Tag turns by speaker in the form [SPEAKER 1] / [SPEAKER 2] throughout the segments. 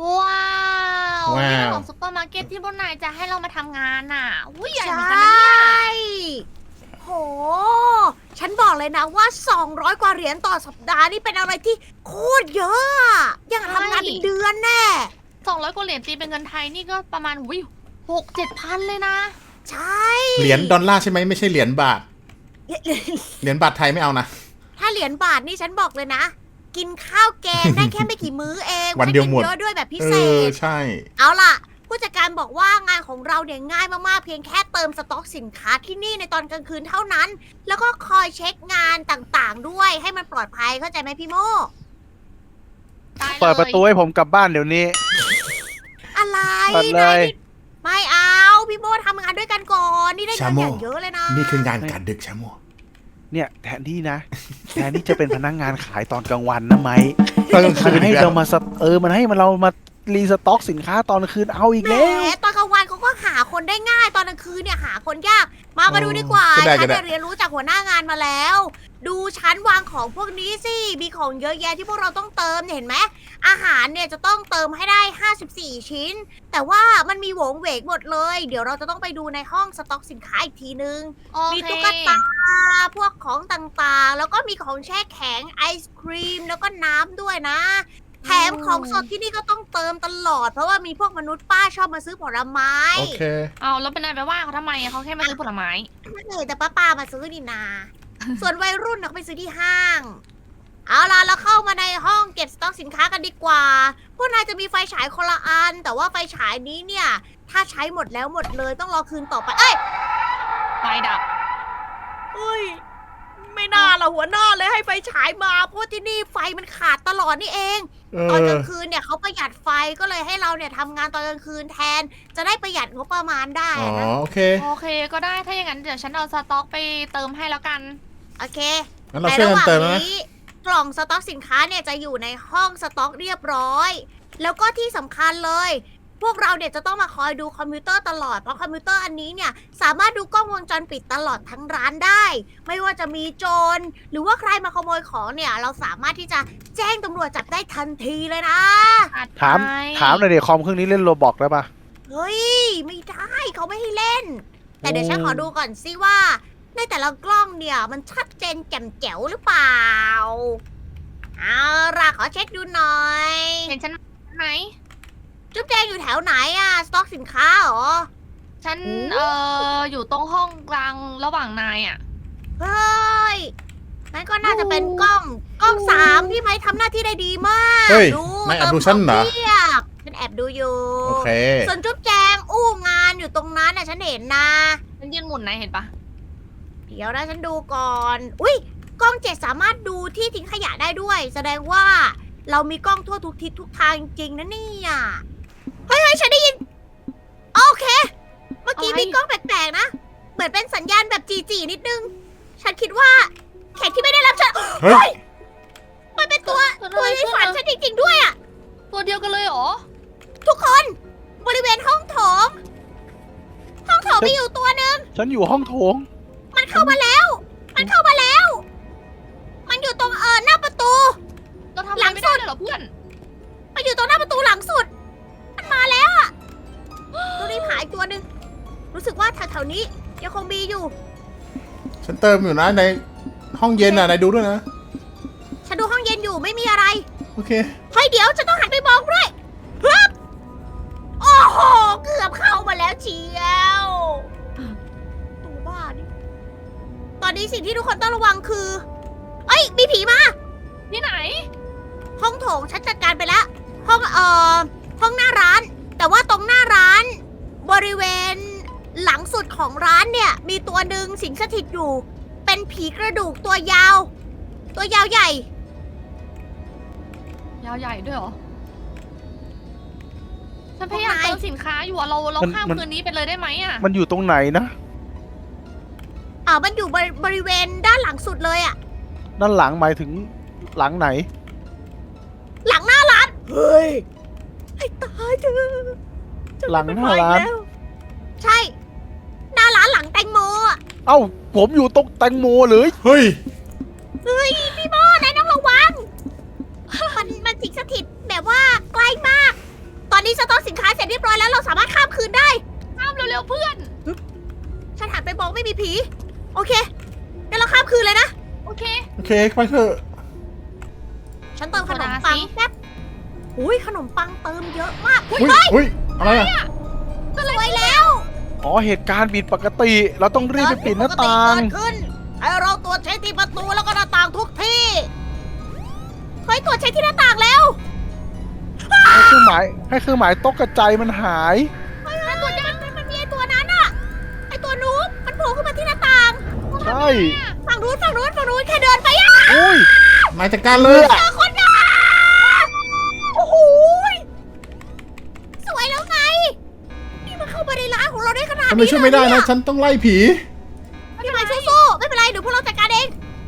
[SPEAKER 1] ว้าว
[SPEAKER 2] ว้าว
[SPEAKER 1] นี่เป็นของซุปเปอร์มาร์เก็ตที่พวกนายจะให้เรามาทำงานน่ะอุ้ยใหญ่
[SPEAKER 3] ใช
[SPEAKER 1] เหมือนกันนะเนี่ย่
[SPEAKER 3] โห ฉันบอกเลยนะว่า 200 กว่าเหรียญต่อสัปดาห์นี่เป็นอะไรที่โคตรเยอะอะยังทำงานเป็นเดือนแน่
[SPEAKER 1] 200 กว่าเหรียญตีเป็นเงินไทยนี่ก็ประมาณวิว6-7 พันเลยนะ
[SPEAKER 3] ใช่
[SPEAKER 2] เหรียญดอลลาร์ใช่ไหมไม่ใช่เหรียญบาท เหรียญบาทไทยไม่เอานะ
[SPEAKER 3] ถ้าเหรียญบาทนี่ฉันบอกเลยนะ กินข้าวแกงได้แค่ไม่กี่มื้อเอง
[SPEAKER 2] วันเดียวหมด
[SPEAKER 3] ไกินเยอะด้วยแบบพิ
[SPEAKER 2] เอ
[SPEAKER 3] เศ
[SPEAKER 2] อ
[SPEAKER 3] ษ
[SPEAKER 2] ใช่
[SPEAKER 3] เอาล่ะ ผู้จัดการบอกว่างานของเราเนี่ยง่ายมากๆ เพียงแค่เติมสต็อกสินค้าที่นี่ในตอนกลางคืนเท่านั้น แล้วก็คอยเช็คงานต่างๆ ด้วยให้มันปลอดภัยเข้าใจไหมพี่โม
[SPEAKER 1] ได้เลย
[SPEAKER 4] เปิดประตูให้ผมกลับบ้านเดี๋ยวนี้
[SPEAKER 3] อะไร
[SPEAKER 4] เปิดเลย
[SPEAKER 3] ไม่เอาพี่โมทำงานด้วยกันก่อนนี่ได้เงิน
[SPEAKER 2] ชาโม่
[SPEAKER 3] อย่างเยอะเลยนะ
[SPEAKER 2] นี่คืองานการดึกชะโม
[SPEAKER 4] เนี่ยแทนที่นะ แทนที่จะเป็นพนักงานขายตอนกลางวันนะไหม
[SPEAKER 2] ตอนกลางคื
[SPEAKER 4] มัน
[SPEAKER 2] น
[SPEAKER 4] ให้
[SPEAKER 2] อีกแล้ว
[SPEAKER 4] เรามามันให้เรามารีสต็อกสินค้าตอนกลางคืนเอาอีก
[SPEAKER 3] แหม
[SPEAKER 4] แล้ว
[SPEAKER 3] ตอนกลางวันเขาก็หาคนได้ง่ายตอนกลางคืนเนี่ยหาคนยากมาดูดีกว่า
[SPEAKER 2] ก็ได้
[SPEAKER 3] ฉั
[SPEAKER 2] ก็
[SPEAKER 3] น
[SPEAKER 2] ได้
[SPEAKER 3] เนี่ยเรียนรู้จากหัวหน้างานมาแล้ว ดูชั้นวางของพวกนี้สิมีของเยอะแยะที่พวกเราต้องเติมเนี่ยเห็นไหมอาหารเนี่ยจะต้องเติมให้ได้ 54 ชิ้น แต่ว่ามันมีโหวงเหวกหมดเลย เดี๋ยวเราจะต้องไปดูในห้องสต็อกสินค้าอีกทีนึง
[SPEAKER 1] โอ
[SPEAKER 3] มี
[SPEAKER 1] เค
[SPEAKER 3] ตุ๊กตาพวกของต่างๆ แล้วก็มีของแช่แข็งไอศครีมแล้วก็น้ำด้วยนะ แถมของสดที่นี่ก็ต้องเติมตลอด เพราะว่ามีพวกมนุษย์ป้าชอบมาซื้อผลไม้
[SPEAKER 2] โอเค
[SPEAKER 1] เอาแล้วเป็นนายไปว่าเขาทำไมอะเขาแค่มาซื้อผลไม้
[SPEAKER 3] ไม่เคยแต่ป้ามาซื้อนี่นา ส่วนวัยรุ่นเขาไปซื้อที่ห้าง เอาล่ะเราเข้ามาในห้องเก็บสต็อกสินค้ากันดีกว่า พวกนายจะมีไฟฉายคนละอัน แต่ว่าไฟฉายนี้เนี่ย ถ้าใช้หมดแล้วหมดเลยต้องรอคืนต่อไป เอ้ย
[SPEAKER 1] ไฟดับ
[SPEAKER 3] เอ้ย ไม่น่าละหัวหน้าเลยให้ไฟฉายมาเพราะที่นี่ไฟมันขาดตลอดนี่เอง
[SPEAKER 2] เอ
[SPEAKER 3] ตอนก
[SPEAKER 2] อ
[SPEAKER 3] ลางคืนเนี่ยเขาประหยัดไฟก็เลยให้เราเนี่ยทำงานตอนกลางคืนแทน จะได้ประหยัดงบประมาณได้
[SPEAKER 2] อ๋อ
[SPEAKER 3] นะ
[SPEAKER 2] โอเค
[SPEAKER 1] โอเคก็ได้ถ้าอย่างนั้นเดี๋ยวฉันเอาสต็อกไปเติมให้แล้วกัน
[SPEAKER 3] โอเค
[SPEAKER 2] งั้นเราช่วยกันเติมนะ
[SPEAKER 3] กล่องสต็อกสินค้าเนี่ยจะอยู่ในห้องสต็อกเรียบร้อย แล้วก็ที่สำคัญเลย พวกเราเนี่ยจะต้องมาคอยดูคอมพิวเตอร์ตลอด เพราะคอมพิวเตอร์อันนี้เนี่ยสามารถดูกล้องวงจรปิดตลอดทั้งร้านได้ ไม่ว่าจะมีโจรหรือว่าใครมาขโมยของเนี่ย เราสามารถที่จะแจ้งตำรวจจับได้ทันทีเลยนะ
[SPEAKER 4] ถาม
[SPEAKER 1] ไป
[SPEAKER 4] ถามหน่อยเดี๋ยวคอมเครื่องนี้เล่นโรบอกได้ปะ
[SPEAKER 3] เฮ้ย ไม่ได้เขาไม่ให้เล่น แต่เดี๋ยวฉันขอดูก่อนสิว่า ในแต่ละกล้องเนี่ยมันชัดเจนแจ่มแจ๋วหรือเปล่า เอาล่ะขอเช็คดูหน่อย
[SPEAKER 1] เห็นฉันไหม
[SPEAKER 3] จุ๊บแจงอยู่แถวไหนอะสต็อกสินค้าเหรอ
[SPEAKER 1] ฉัน
[SPEAKER 3] โอ้
[SPEAKER 1] อยู่ตรงห้องกลางระหว่างนายอะ
[SPEAKER 3] เฮ้ยนั่นก็น่าจะเป็นกล้องสามพี่ไม้ทำหน้าที่ได้ดีมาก
[SPEAKER 2] เฮ้ยนายแอบดูฉันเหรอ
[SPEAKER 3] เทียบฉันแอบดูอยู่
[SPEAKER 2] โอเค
[SPEAKER 3] ส่วนจุ๊บแจงอู้งานอยู่ตรงนั้นน่ะฉันเห็นนะ
[SPEAKER 1] ฉันยืนหมุนนายเห็นปะ
[SPEAKER 3] เดี๋ยวนะฉันดูก่อน อุ้ยกล้องเจ็ดสามารถดูที่ทิ้งขยะได้ด้วย แสดงว่าเรามีกล้องทั่วทุกทิศทุกทางจริงๆนะเนี่ยเฮ้ยฉันได้ยิน โอเค เมื่อกี้มีกล้องแปลกๆนะ เหมือนเป็นสัญญาณแบบจีนิดนึง ฉันคิดว่าแขกที่ไม่ได้รับเชิญ
[SPEAKER 2] เฮ้ย
[SPEAKER 3] มันเป็นตัวในฝันฉันจริงๆด้วยอะ
[SPEAKER 1] ตัวเดียวกันเลยเหรอ
[SPEAKER 3] ทุกคนบริเวณห้องโถง ห้องโถงมีอยู่ตัวหนึ่ง
[SPEAKER 4] ฉันอยู่ห้องโถง
[SPEAKER 3] มันเข้ามาแล้ว มันเข้ามาแล้ว มันอยู่ตรงหน้าประตู
[SPEAKER 1] เราทำอะ
[SPEAKER 3] หลั
[SPEAKER 1] ไรง ไม่
[SPEAKER 3] สุ
[SPEAKER 1] ได้
[SPEAKER 3] ด
[SPEAKER 1] เลยเหรอเพื่อน
[SPEAKER 3] มันอยู่ตรงหน้าประตูหลังสุด มันมาแล้วอะตัวนี้หายตัวหนึ่งรู้สึกว่าแถวๆนี้ยังคงมีอยู่
[SPEAKER 2] ฉันเติมอยู่นะในห้องเย็นอ่ะนายดูด้วยนะ
[SPEAKER 3] ฉันดูห้องเย็นอยู่ไม่มีอะไร
[SPEAKER 2] โอเค
[SPEAKER 3] เฮ้ยเดี๋ยวจะต้องหันไปมองด้วยฮึบโอ้โห เกือบเข้ามาแล้วเชียวตัวบ้านี่ตอนนี้สิ่งที่ทุกคนต้องระวังคือ เอ้ย มีผีมา
[SPEAKER 1] ที่ไหน
[SPEAKER 3] ห้องโถงฉันจัดการไปแล้ว ห้องห้องหน้าร้าน แต่ว่าตรงหน้าร้าน บริเวณหลังสุดของร้านเนี่ย มีตัวหนึ่งสิงสถิตอยู่ เป็นผีกระดูกตัวยาว ตัวยาวใหญ่
[SPEAKER 1] ยาวใหญ่ด้วยเหรอ ฉันพยายาม
[SPEAKER 3] พวกนาย
[SPEAKER 1] เติมสินค้าอยู่อะเรา
[SPEAKER 4] มัน
[SPEAKER 1] ข้าม
[SPEAKER 4] มัน
[SPEAKER 1] คืนนี้ไปเลยได้ไหมอะ
[SPEAKER 4] มันอยู่ตรงไหนนะ
[SPEAKER 3] มันอยู่บริเวณด้านหลังสุดเลยอะ
[SPEAKER 4] ด้านหลังหมายถึงหลังไหน
[SPEAKER 3] หลังหน้าร้าน เฮ้ย ให้ตายเถอะ
[SPEAKER 4] หลังหน้าร้าน
[SPEAKER 3] ใช่ หน้าร้านหลังแตงโมอะ
[SPEAKER 4] เอ้าผมอยู่ตรงแตงโมเลย
[SPEAKER 2] เฮ้ย
[SPEAKER 3] เฮ้ย พี่โมนายต้องระวัง มันสิงสถิตแบบว่าใกล้มากนี้สต็อกสินค้าเสร็จเรียบร้อยแล้วเราสามารถข้ามคืนได้
[SPEAKER 1] ข้ามเร็วๆเพื่อน
[SPEAKER 3] ฉันหันไปมองไม่มีผี โอเคงั้นเราข้ามคืนเลยนะ
[SPEAKER 1] โอเค
[SPEAKER 2] โอเคไปเถอะ
[SPEAKER 3] ฉันเติมขนมปังแป๊บอุ้ยขนมปังเติมเยอะมาก
[SPEAKER 2] อุ้ยอุ้ยอะไรอ่ะ
[SPEAKER 3] สวยแล้ว
[SPEAKER 4] อ๋อเหตุการณ์ผิดปกติ เราต้องรีบไปปิดหน้าต่าง
[SPEAKER 3] เกิดขึ้นให้เราตรวจเช็คที่ประตูแล้วก็หน้าต่างทุกที่เฮ้ยตรวจเช็คที่หน้าต่างแล้ว
[SPEAKER 4] ให้เครื่องหมายตกกระจายมันหาย
[SPEAKER 3] เฮ้ยตัวนี้มันมีไอตัวนั้นอะไอตัวนู้นมันโผล่ขึ้นมาที่หน้าต่าง
[SPEAKER 4] ใช่
[SPEAKER 3] ฝั่งนู้นแค่เดินไปอะ
[SPEAKER 4] อุ้ย
[SPEAKER 2] นายจัดการเลย
[SPEAKER 3] เจอคนนะโอ้โหสวยแล้วไงนี่มันเข้ามาในร้านของเราได้ขนาด
[SPEAKER 2] ฉัน
[SPEAKER 3] นี้
[SPEAKER 2] ไม่ช่วยไม่ได้นะ ฉันต้องไล่ผี
[SPEAKER 3] พี่ไม้สู้ๆไม่เป็นไรเดี๋ยวพวกเราจัดการเอง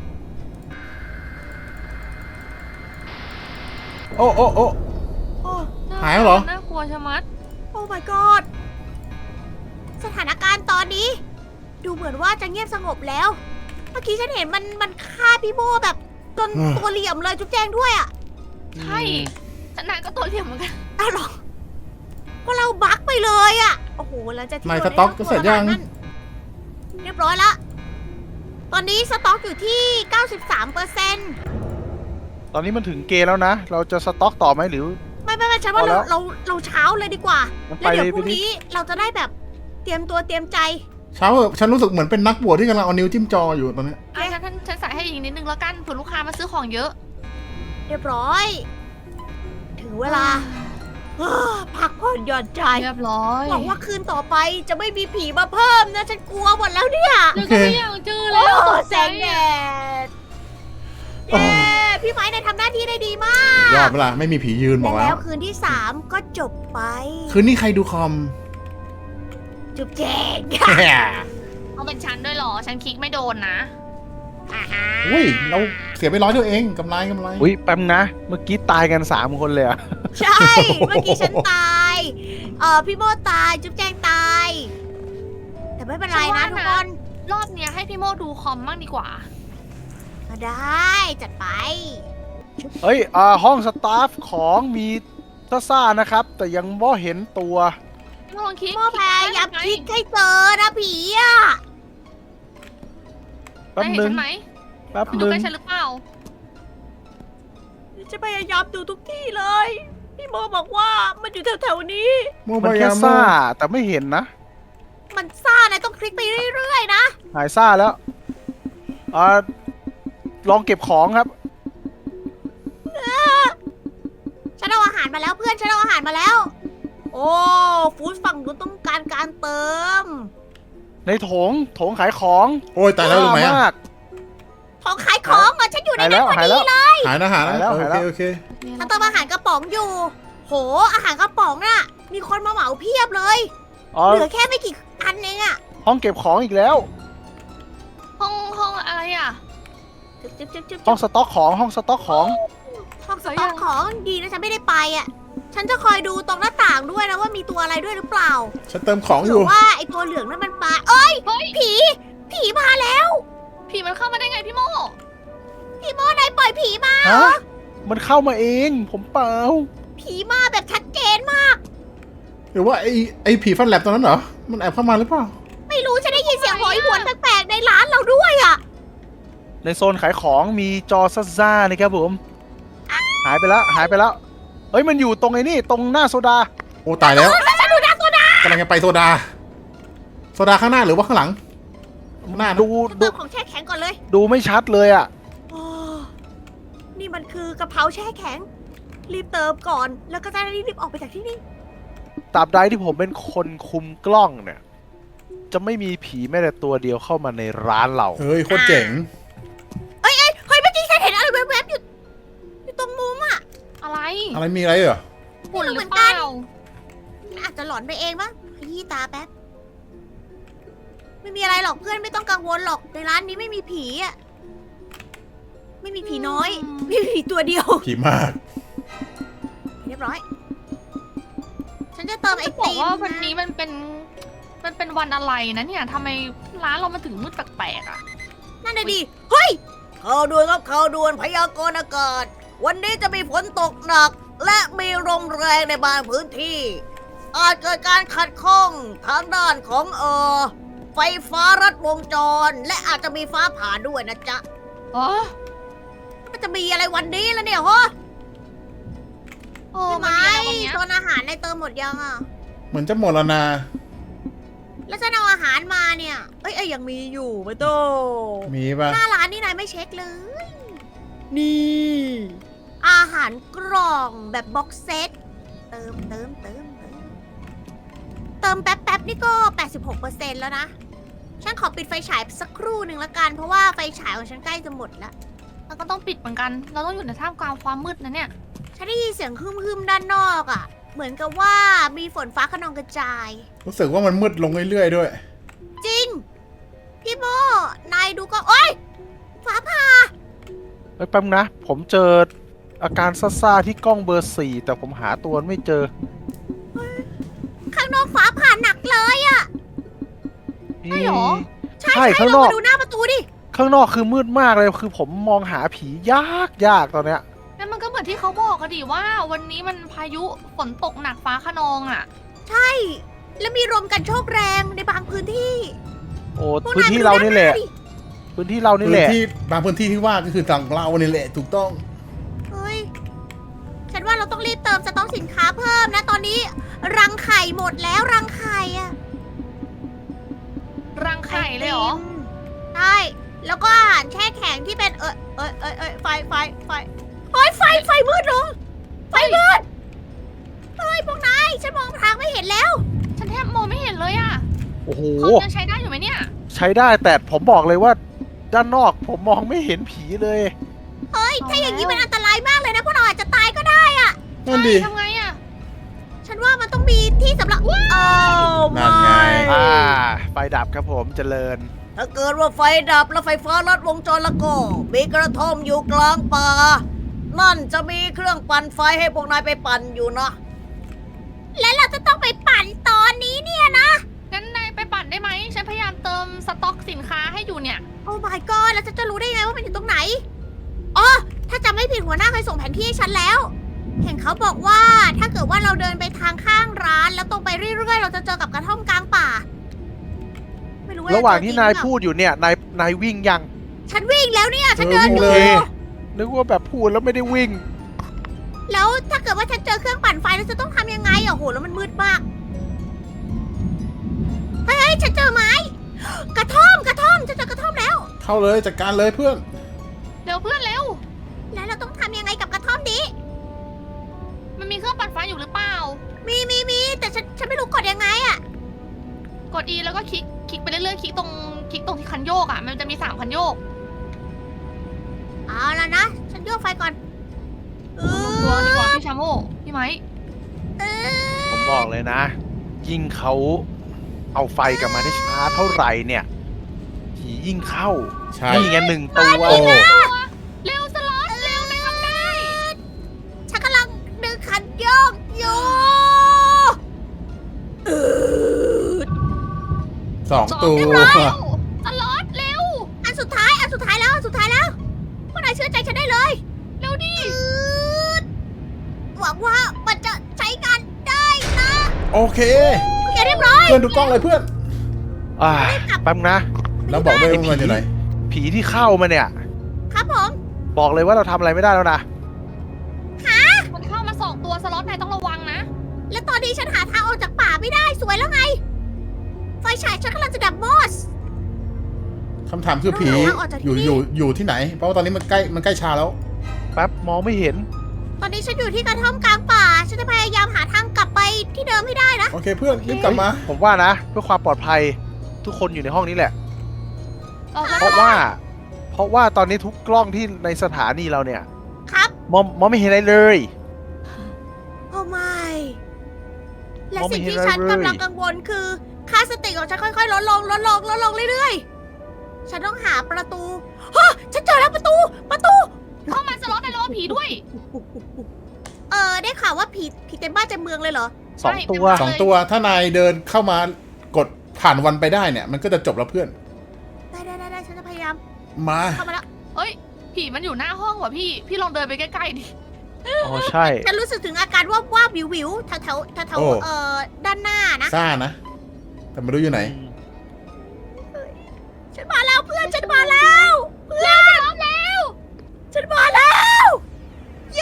[SPEAKER 2] โอ้โอ้โอ้
[SPEAKER 3] โอ้
[SPEAKER 2] หายแล้วเหรอ
[SPEAKER 1] น่ากลัวชะมัด
[SPEAKER 3] โอ้ my god สถานการณ์ตอนนี้ ดูเหมือนว่าจะเงียบสงบแล้ว เมื่อกี้ฉันเห็นมันฆ่าพี่โมแบบจนตัวเหลี่ยมเลยจุ๊บแจงด้วยอ่ะ
[SPEAKER 1] ใช่ฉันนายก็ตัวเหลี่ยมเหมือนกัน
[SPEAKER 3] อ้าวเหรอก็เราบั๊กไปเลยอ่ะ โอ้โหหลังจากที่
[SPEAKER 2] นาย
[SPEAKER 3] เรา
[SPEAKER 2] สต็อก
[SPEAKER 3] ได้
[SPEAKER 2] ก็เสร็จยัง
[SPEAKER 3] นั่นเรียบร้อยละ ตอนนี้สต็อกอยู่ที่ 93%
[SPEAKER 4] ตอนนี้มันถึงเกณฑ์แล้วนะ เราจะสต็อกต่อไหมหรือ
[SPEAKER 3] ไม่ฉันว่า
[SPEAKER 4] พอแล้ว
[SPEAKER 3] เราเช้าเลยดีกว่า
[SPEAKER 4] งั้น
[SPEAKER 3] แล้วเดี๋ยว
[SPEAKER 4] ไป
[SPEAKER 3] พรุ่งนี้เราจะได้แบบเตรียมตัวเตรียมใจ
[SPEAKER 2] เช้าเหอะฉันรู้สึกเหมือนเป็นนักบวชที่กำลังเอานิ้วจิ้มจออยู่ตอนนี้
[SPEAKER 1] ฉันใส่ให้อีกนิดนึงแล้วกันเผื่อลูกค้ามาซื้อของเยอะ
[SPEAKER 3] เรียบร้อย ถึงเวลาพักผ่อนหย่อนใจ
[SPEAKER 1] เรียบร้อย
[SPEAKER 3] หวังว่าคืนต่อไปจะไม่มีผีมาเพิ่มนะ ฉันกลัวหมดแล้วเนี่ย
[SPEAKER 1] เดี๋ยวก็ไม่อยากเจอแล้ว
[SPEAKER 3] โอ้
[SPEAKER 1] ตก
[SPEAKER 3] แส
[SPEAKER 1] ใจ
[SPEAKER 3] งแด
[SPEAKER 1] อะ
[SPEAKER 3] ดเย้พี่ไม้ได้ทำหน้าที่ได้ดีมาก
[SPEAKER 2] ยอดเวลาไม่มีผียืนบอก
[SPEAKER 3] และ
[SPEAKER 2] แล้
[SPEAKER 3] แล้ว วคืนที่ 3 ก็จบไป
[SPEAKER 2] คืนนี้ใครดูคอม
[SPEAKER 3] จุบแจง
[SPEAKER 1] เอาเป็นฉันด้วยเหรอ ฉันคลิกไม่โดนนะ
[SPEAKER 2] อุ้ยเราเสียไป100เดียวเองกำไร
[SPEAKER 4] อุ้ยแป๊บนะ เมื่อกี้ตายกัน3 คนเลยอะ
[SPEAKER 3] ใช่ เมื่อกี้ฉันตาย พี่โมตาย จุ๊บแจงตาย แต่ไม่เป็นไรนะทุกคน
[SPEAKER 1] รอบเนี้ยให้พี่โมดูคอมบ้างดีกว่า
[SPEAKER 3] ก็ได้จัดไป
[SPEAKER 4] เฮ้ยห้องสตาฟของมีซ่าๆนะครับ แต่ยังไม่เห็นตัว
[SPEAKER 1] ลองคลิก
[SPEAKER 3] โมพยายามคลิกให้เจอนะผีอ่ะ
[SPEAKER 4] แป๊บ
[SPEAKER 1] ได้เห็น
[SPEAKER 4] นึง
[SPEAKER 1] ฉันไหม
[SPEAKER 4] แป๊บ
[SPEAKER 1] คุณ
[SPEAKER 4] นึ
[SPEAKER 1] ดู
[SPEAKER 4] ง
[SPEAKER 1] ใกล้ฉันหรือเปล่า
[SPEAKER 3] จะพยายามดูทุกที่เลย พี่โมบอกว่ามันอยู่แถวๆนี้
[SPEAKER 2] โม
[SPEAKER 4] มัน
[SPEAKER 2] บาย
[SPEAKER 4] แค่
[SPEAKER 2] ยาม
[SPEAKER 4] ซ่าแต่ไม่เห็นนะ
[SPEAKER 3] มันซ่านะต้องคลิกไปเรื่อยๆนะ
[SPEAKER 4] หายซ่าแล้วลองเก็บของครับ
[SPEAKER 3] ฉันเอาอาหารมาแล้วเพื่อนฉันเอาอาหารมาแล้ว โอ้ฟู้ดฝั่งนู้นต้องการการเติม
[SPEAKER 4] ในโถงขายของ
[SPEAKER 2] โอ้ยตายแล้วรู้ไหม
[SPEAKER 4] ซ่า
[SPEAKER 2] อะ
[SPEAKER 4] มาก
[SPEAKER 3] ของขายของเหรอฉันอยู่ใน
[SPEAKER 4] หาย
[SPEAKER 3] นั้
[SPEAKER 4] แล้
[SPEAKER 3] น
[SPEAKER 4] ว
[SPEAKER 3] พอ
[SPEAKER 4] หาย
[SPEAKER 3] ดี
[SPEAKER 4] แล้ว
[SPEAKER 3] เลย
[SPEAKER 2] หายนะหายนะ
[SPEAKER 4] หายแล้ว
[SPEAKER 2] โอ
[SPEAKER 4] หาย
[SPEAKER 2] เค
[SPEAKER 4] แล้ว
[SPEAKER 2] โอเค
[SPEAKER 3] ฉันเติมอาหารกระป๋องอยู่ โหอาหารกระป๋องน่ะ มีคนมาเหมาเพียบเลย
[SPEAKER 4] อ๋อ
[SPEAKER 3] เหลือแค่ไม่กี่อันเองอะ
[SPEAKER 4] ห้องเก็บของอีกแล้ว
[SPEAKER 1] ห้องอะไรอ่ะ
[SPEAKER 3] จึ๊บ
[SPEAKER 4] ห้องสต็อกของห้องสต็อกของ
[SPEAKER 3] ห้องสต็อกของดีนะฉันไม่ได้ไปอะฉันจะคอยดูตรงหน้าต่างด้วยนะว่ามีตัวอะไรด้วยหรือเปล่า
[SPEAKER 2] ฉันเติมของอ
[SPEAKER 3] หรื
[SPEAKER 2] ยู่
[SPEAKER 3] อว่าไอตัวเหลืองนั่นมันปลาเอ้ย
[SPEAKER 1] เฮ้ย
[SPEAKER 3] ผีมาแล้ว
[SPEAKER 1] ผีมันเข้ามาได้ไงพี่โม
[SPEAKER 3] พี่โมนายปล่อยผีมา
[SPEAKER 4] ฮะ มันเข้ามาเอง ผมเปล่า
[SPEAKER 3] ผีมาแบบชัดเจนมาก
[SPEAKER 2] หรือว่าไอ้ผีฟันแลบตอนนั้นเหรอ มันแอบเข้ามาหรือเปล่า
[SPEAKER 3] ไม่รู้ฉันได้ยินเสียงโหยหวนแปลกๆในร้านเราด้วยอะ
[SPEAKER 4] ในโซนขายของมีจอซ่าๆนี่ครับผม หายไปแล้ว หายไปแล้ว เฮ้ย มันอยู่ตรงไอ้นี่ ตรงหน้าโซดา
[SPEAKER 2] โอ้ตายแล้ว
[SPEAKER 3] ฉันดูนะโซดาก
[SPEAKER 2] ำลังจะไปโซดา โซดาข้างหน้าหรือว่าข้างหลัง หน้านะ
[SPEAKER 4] ดู
[SPEAKER 3] ฉัน
[SPEAKER 4] ดู
[SPEAKER 3] เติมของแช่แข็งก่อนเลย
[SPEAKER 4] ดูไม่ชัดเลยอ่ะ
[SPEAKER 3] โอ้นี่มันคือกะเพราแช่แข็ง รีบเติมก่อน แล้วก็จะได้รีบออกไปจากที่นี่
[SPEAKER 4] ตราบใดที่ผมเป็นคนคุมกล้องเนี่ย จะไม่มีผีแม้แต่ตัวเดียวเข้ามาในร้านเรา
[SPEAKER 2] เฮ้ยโคตรเจ๋ง
[SPEAKER 3] เฮ้ยเมื่อกี้ฉันเห็นอะไรแวบๆอยู่ตรงมุมอะ
[SPEAKER 1] อะไร
[SPEAKER 2] อะไรมีอะไรเหรอ
[SPEAKER 1] หุ่นหรือเปล่า
[SPEAKER 3] อาจจะหลอนไปเองมั้งขยี้ตาแป๊บ ไม่มีอะไรหรอกเพื่อนไม่ต้องกังวลหรอก ในร้านนี้ไม่มีผีอะไม่มีผีน้อย ไม่มีผีตัวเดียว
[SPEAKER 2] ผีมาก
[SPEAKER 3] เรียบร้อย ฉันจะเติมไอ
[SPEAKER 1] บอก
[SPEAKER 3] ติม
[SPEAKER 1] ว่าวันนี้มันเป็นวันอะไรนะเนี่ยทำไมร้านเรามาถึงมืดแปลกๆอ่ะ
[SPEAKER 3] นั่นน่ะดิ เฮ้ยข่าวด่วนครับข่าวด่วนพยากรณ์อากาศ วันนี้จะมีฝนตกหนักและมีลมแรงในบางพื้นที่ อาจเกิดการขัดข้องทางด้านของไฟฟ้ารัดวงจร และอาจจะมีฟ้าผ่าด้วยนะจ๊ะ
[SPEAKER 1] อ๋อ
[SPEAKER 3] มันจะมีอะไรวันนี้แล้วเนี่ยฮะ
[SPEAKER 1] โอ้
[SPEAKER 3] พี่
[SPEAKER 1] มัน
[SPEAKER 3] ไม้
[SPEAKER 1] มีอะไรวันเนี้ย
[SPEAKER 3] โซนอาหารในเติมหมดยังอ่ะ
[SPEAKER 2] เหมือนจะหมดแล้วนะ
[SPEAKER 3] แล้วฉันเอาอาหารมาเนี่ยเอ้ยยังมีอยู่ไม่โต
[SPEAKER 2] มีปะ
[SPEAKER 3] หน้าร้านนี่นายไม่เช็คเลย นี่ อาหารกล่องแบบบ็อกเซต เติมแป๊บนี่ก็ 86%แล้วนะ ฉันขอปิดไฟฉายสักครู่หนึ่งละกัน เพราะว่าไฟฉายของฉันใกล้จะหมดแล้ว
[SPEAKER 1] เราก็ต้องปิดเหมือนกัน เราต้องอยู่ในท่ามกลางความมืดนะเนี่ย
[SPEAKER 3] ฉันได้ยินเสียงฮึมๆด้านนอกอะ่ะ เหมือนกับว่ามีฝนฟ้าคะนองกระจาย
[SPEAKER 2] รู้สึกว่ามันมืดลงเรื่อยๆด้วย
[SPEAKER 3] จริง พี่โมนายดูก็โอ๊ยฟ้าผ่า
[SPEAKER 4] เฮ้ยแป๊บนะ ผมเจออาการซ่าๆที่กล้องเบอร์ 4 แต่ผมหาตัวไม่เจอ
[SPEAKER 3] ข้างนอกฟ้าผ่าหนักเลยอะ่ะ
[SPEAKER 1] ใช่เหรอ
[SPEAKER 3] ใช่
[SPEAKER 4] ใช่
[SPEAKER 3] ใช่
[SPEAKER 4] ข้าง
[SPEAKER 3] ล
[SPEAKER 4] น
[SPEAKER 3] ง
[SPEAKER 4] อก
[SPEAKER 3] มาดูหน้าประตูดิ
[SPEAKER 4] ข้างนอกคือมืดมากเลยคือผมมองหาผียากตอนเนี้ย
[SPEAKER 1] นั่นมันก็เหมือนที่เขาบอกกันดิว่า วันนี้มันพายุฝนตกหนักฟ้าคะนองอ่ะ
[SPEAKER 3] ใช่ แล้วมีลมกันโชกแรงในบางพื้นที่
[SPEAKER 4] โอ้
[SPEAKER 3] พวก
[SPEAKER 4] พื้น
[SPEAKER 3] ย
[SPEAKER 4] ที่
[SPEAKER 3] ม
[SPEAKER 4] เรา
[SPEAKER 3] ดู
[SPEAKER 4] นี่แหละ
[SPEAKER 3] าดิ
[SPEAKER 4] พื้นที่เรานี่
[SPEAKER 2] พื้
[SPEAKER 4] แห
[SPEAKER 2] น
[SPEAKER 4] ละ
[SPEAKER 2] ที่บางพื้นที่ที่ว่าก็คือต่างเรานี่แหละถูกต้อง
[SPEAKER 3] เฮ้ย ฉันว่าเราต้องรีบเติมสต็อกสินค้าเพิ่มนะ ตอนนี้ รังไข่หมดแล้วรังไข่อะ
[SPEAKER 1] รังไข่เลยเหรอ
[SPEAKER 3] ใช่ แล้วก็อาหารแช่แข็งที่เป็นไฟเฮ้ยไฟมืดเหรอไฟมืด เฮ้ยพวกนายฉันมองทางไม่เห็นแล้ว
[SPEAKER 1] ฉันแทบมองไม่เห็นเลยอ่ะ
[SPEAKER 4] โอ้โห
[SPEAKER 1] คอมยังใช้ได้อยู่ไหมเนี่ย
[SPEAKER 4] ใช้ได้แต่ผมบอกเลยว่าด้านนอกผมมองไม่เห็นผีเลย
[SPEAKER 3] เฮ้ย ถ้าอย่างนี้มันอันตรายมากเลยนะพวกเราอาจจะตายก็ได้
[SPEAKER 2] นั่นดิ
[SPEAKER 1] ทำไงอ่ะ
[SPEAKER 3] ฉันว่ามันต้องมีที่สำหรับอ้าว
[SPEAKER 2] นั่นไง
[SPEAKER 4] ไฟดับครับผมเจริญ
[SPEAKER 3] ถ้าเกิดว่าไฟดับแล้วไฟฟ้าลัดวงจรแล้วก็มีกระท่อมอยู่กลางป่า นั่นจะมีเครื่องปั่นไฟให้พวกนายไปปั่นอยู่นะ และเราจะต้องไปปั่นตอนนี้เนี่ยนะ
[SPEAKER 1] งั้นนายไปปั่นได้ไหม ฉันพยายามเติมสต็อกสินค้าให้อยู่เนี่ย
[SPEAKER 3] โอ้ my god แล้วฉันจะรู้ได้ไงว่ามันอยู่ตรงไหน อ๋อ ถ้าจำไม่ผิดหัวหน้าเคยส่งแผนที่ให้ฉันแล้ว เห็นเขาบอกว่าถ้าเกิดว่าเราเดินไปทางข้างร้านแล้วตรงไปเรื่อยๆ เราจะเจอกับกระท่อมกลางป่า ไม่รู้ว่า
[SPEAKER 4] ระหว่างที่นาย
[SPEAKER 3] จะเจอจริงหรือเปล่
[SPEAKER 4] พูดอยู่เนี่ยนายวิ่งยัง
[SPEAKER 3] ฉันวิ่งแล้วเนี่ย ฉัน
[SPEAKER 2] เออ
[SPEAKER 3] เดิน
[SPEAKER 2] วิ่ง
[SPEAKER 3] อยู่
[SPEAKER 2] เลย
[SPEAKER 4] นึกว่าแบบพูดแล้วไม่ได้วิ่ง
[SPEAKER 3] แล้วถ้าเกิดว่าฉันเจอเครื่องปั่นไฟแล้วจะต้องทำยังไงอ่ะโหแล้วมันมืดมาก เฮ้ยฉันเจอไม้ กระท่อมฉันเจอกระท่อมแล้ว
[SPEAKER 2] เข้าเลยจัดการเลยเพื่อน
[SPEAKER 1] เร็วเพื่อนเร็ว
[SPEAKER 3] แล้วเราต้องทำยังไงกับกระท่อมนี้
[SPEAKER 1] มันมีเครื่องปั่นไฟอยู่หรือเปล่า
[SPEAKER 3] มีแต่ฉันไม่รู้กดยังไงอ่ะ
[SPEAKER 1] กด E แล้วก็คลิกไปเรื่อยๆ คลิกตรงที่คันโยกอ่ะ มันจะมี3คันโยก
[SPEAKER 3] เอาแล้วนะ ฉันโยกไฟก่อน
[SPEAKER 1] ตัวดีกว่าพี่ชาโมพี่ไม้
[SPEAKER 4] ผมบอกเลยนะ ยิ่งเขาเอาไฟกลับมาได้ช้าเท่าไหร่เนี่ย ผียิ่งเข้า
[SPEAKER 2] ใช่
[SPEAKER 4] นี่ไง1 ตัว
[SPEAKER 2] โอ้
[SPEAKER 1] เร็วสล็อตเร็วในทำได้
[SPEAKER 3] ฉันกำลังดึงคันโยกอยู่
[SPEAKER 2] 2 ตัว
[SPEAKER 1] เรียบร้อยแล้วสล็อตเร็ว
[SPEAKER 3] อันสุดท้ายแล้วพวกนายเชื่อใจฉันได้เลย
[SPEAKER 1] เร็วดิ
[SPEAKER 3] หวังว่ามันจะใช้งานได้นะ
[SPEAKER 2] โอเค
[SPEAKER 3] โอเคเรียบร้อย
[SPEAKER 2] เพื่อนดูกล้องเลยเพื่อน
[SPEAKER 4] แป๊บนะ
[SPEAKER 2] แล้วบอกด้วยว่ามันอยู่ไหน
[SPEAKER 4] ผีที่เข้ามาเนี่ย
[SPEAKER 3] ครับผม
[SPEAKER 4] บอกเลยว่าเราทำอะไรไม่ได้แล้วนะ
[SPEAKER 1] มันเข้ามา2 ตัวสล็อตนายต้องระวังนะ
[SPEAKER 3] และตอนนี้ฉันหาทางออกจากป่าไม่ได้สวยแล้วไง ไฟฉายฉันกำลังจะดับมอส
[SPEAKER 2] คำถามคือผี
[SPEAKER 3] เราหาทางออกจากที่นี่
[SPEAKER 2] อยู่ที่ไหน เพราะว่าตอนนี้มันใกล้เช้าแล้ว
[SPEAKER 4] แป๊บมองไม่เห็น
[SPEAKER 3] ตอนนี้ฉันอยู่ที่กระท่อมกลางป่า ฉันจะพยายามหาทางกลับไปที่เดิมให้ได้นะ
[SPEAKER 2] โอเคเพื่อนรีบกลับมา
[SPEAKER 4] ผมว่านะ เพื่อความปลอดภัยทุกคนอยู่ในห้องนี้แหละ
[SPEAKER 1] เรา
[SPEAKER 4] เพราะว่าตอนนี้ทุกกล้องที่ในสถานีเราเนี่ย
[SPEAKER 3] ครับ
[SPEAKER 4] มองไม่เห็นอะไรเลย
[SPEAKER 3] โอ้ไม่และ
[SPEAKER 4] มองไม่
[SPEAKER 3] สิ่ง
[SPEAKER 4] เห็น
[SPEAKER 3] ที่
[SPEAKER 4] อะไร
[SPEAKER 3] ฉัน
[SPEAKER 4] เลย
[SPEAKER 3] กำลังกังวลคือค่าสติของฉันค่อยๆลดลงเรื่อยๆ ฉันต้องหาประตูฮะฉันเจอแล้วประตู
[SPEAKER 1] เข้ามาสล็อตนายระวังผีด้วย
[SPEAKER 3] ได้ข่าวว่าผีเต็มบ้านเต็มเมืองเลยเหรอ
[SPEAKER 4] สองตัว
[SPEAKER 1] ใช่
[SPEAKER 2] 2 ตัวถ้านายเดินเข้ามากดผ่านวันไปได้เนี่ย มันก็จะจบแล้วเพื่อน
[SPEAKER 3] ได้ฉันจะพยายาม
[SPEAKER 2] มา
[SPEAKER 3] เข้ามาแล้ว
[SPEAKER 1] เอ้ย ผีมันอยู่หน้าห้องว่ะพี่ลองเดินไปใกล้ๆดิ
[SPEAKER 4] อ๋อใช่
[SPEAKER 3] ฉันรู้สึกถึงอาการว่าบวิววิวแถวแถวแถวด้านหน้านะ
[SPEAKER 2] ซ่านะ แต่ไม่รู้อยู่ไหน
[SPEAKER 3] ฉันมาแล้วเพื่อนฉันมาแล้วเพื่อนฉันมาแล้วฉันมาแล้วเย้